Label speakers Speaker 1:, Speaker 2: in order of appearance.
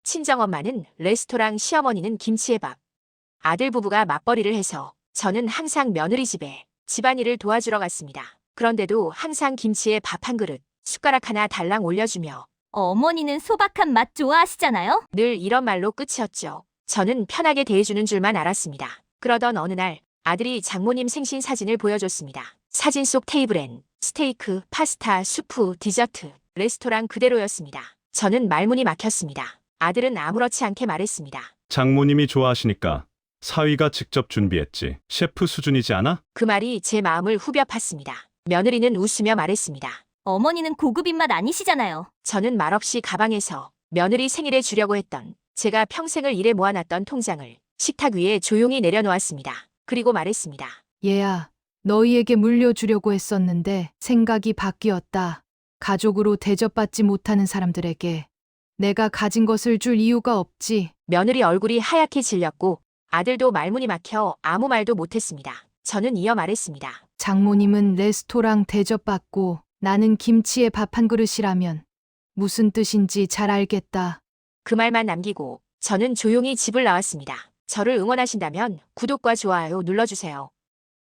Speaker 1: 친정엄마는 레스토랑, 시어머니는 김치의 밥. 아들 부부가 맞벌이를 해서 저는 항상 며느리 집에 집안일을 도와주러 갔습니다. 그런데도 항상 김치에 밥 한 그릇, 숟가락 하나 달랑 올려주며
Speaker 2: 어머니는 소박한 맛 좋아하시잖아요?
Speaker 1: 늘 이런 말로 끝이었죠. 저는 편하게 대해주는 줄만 알았습니다. 그러던 어느 날 아들이 장모님 생신 사진을 보여줬습니다. 사진 속 테이블엔 스테이크, 파스타, 수프, 디저트, 레스토랑 그대로였습니다. 저는 말문이 막혔습니다. 아들은 아무렇지 않게 말했습니다.
Speaker 3: 장모님이 좋아하시니까 사위가 직접 준비했지. 셰프 수준이지 않아?
Speaker 1: 그 말이 제 마음을 후벼 팠습니다. 며느리는 웃으며 말했습니다.
Speaker 2: 어머니는 고급 입맛 아니시잖아요.
Speaker 1: 저는 말없이 가방에서 며느리 생일에 주려고 했던 제가 평생을 일해 모아놨던 통장을 식탁 위에 조용히 내려놓았습니다. 그리고 말했습니다.
Speaker 4: 얘야, 너희에게 물려주려고 했었는데 생각이 바뀌었다. 가족으로 대접받지 못하는 사람들에게 내가 가진 것을 줄 이유가 없지.
Speaker 1: 며느리 얼굴이 하얗게 질렸고 아들도 말문이 막혀 아무 말도 못했습니다. 저는 이어 말했습니다.
Speaker 4: 장모님은 레스토랑 대접받고 나는 김치에 밥 한 그릇이라면 무슨 뜻인지 잘 알겠다.
Speaker 1: 그 말만 남기고 저는 조용히 집을 나왔습니다. 저를 응원하신다면 구독과 좋아요 눌러주세요.